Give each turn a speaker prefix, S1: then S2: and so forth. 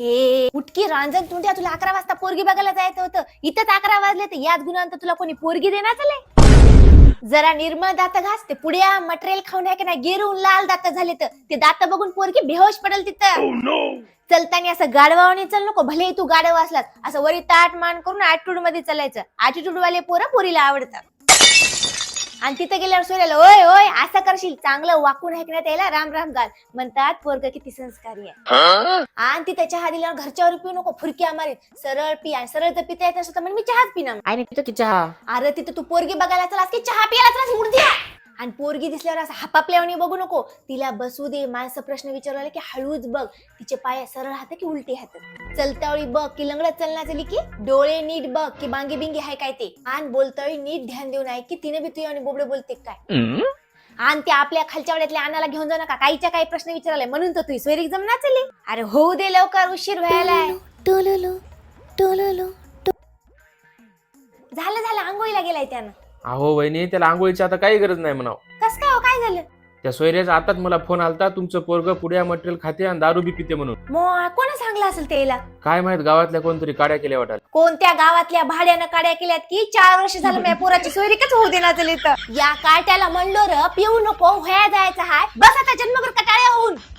S1: ए उठकी रांजण तुंड्या, तुला 11 वाजता पोरगी बघायला जायचं होतं, इथंच 11 वाजले तर याच गुणांत तुला कोणी पोरगी देणार चालले? जरा निर्मळ दात घास, ते पुड्या मटेरियल खाऊन आहे की नाही गिरून लाल दात झाले तर ते दात बघून पोरगी बेहोश पडेल तिथं. चलताना असं गाडवाने चल नको, भले तू गाडव असलास असं वरी ताट मान करून ऍटिट्यूड मध्ये चालायचं. ऍटिट्यूड वाले पोरं पोरीला आवडतात. आणि तिथे गेल्यावर सोऱ्याला ओय ओय असं करशील, चांगलं वाकून ऐकण्यात यायला राम राम घाल म्हणतात. पोरग किती संस्कारी आहे. आणि तिथे चहा दिल्यावर घरच्यावर पिऊ नको, फुरक्या मारीत. सरळ पी, आणि सरळ जर पिता येत नसतं तर मी चहाच पिणार.
S2: आणि पितो की चहा.
S1: अरे तिथे तू पोरगी बघायला चलास की चहा प्यायला चलास मुर्द्या. आणि पोरगी दिसल्यावर असं हापापल्यावणी बघू नको, तिला बसू दे. माणसं प्रश्न विचारला की हळूच बघ, तिचे पाय सरळ हात की उलटी हात. चलतावळी बघ की लंगडत चलना चली की डोळे नीट बघ की बांगी बिंगी हाय काय ते. आणि बोलतावळी नीट ध्यान देऊन ऐक की तिने बी तुझ्या आणि बोबडे बोलते काय. आणि त्या आपल्या खालच्या वड्यातल्या अनाला घेऊन जाऊ नका, काहीच्या काही प्रश्न विचारलाय म्हणून तर तू सोयरीक जमना चली. अरे होऊ दे लवकर, उशीर व्हायलाय. झालं आंघोळीला गेलाय त्यानं.
S3: अहो वहिनी, त्याला आंघोळीची आता काही गरज नाही म्हणाव.
S1: कस काय हो, काय झालं?
S3: त्या सोयऱ्याचा आताच मला फोन आलता, तुमचं पोरग पुड्या मटेरियल खाते आणि दारू बी पिते म्हणून.
S1: मग कोणी सांगलं असेल त्याला?
S3: काय माहित, गावातल्या कोणतरी काड्या केल्या वाटाल.
S1: कोणत्या गावातल्या भाड्यानं काड्या केल्यात की 4 वर्ष झालं माझ्या पोराची सोयरीकच होऊ देणार चली तर. या काट्याला म्हणलो र पिऊ नको, व्हाया जायचं हाय, बस आता जन्मभर कटाळ्या होऊन.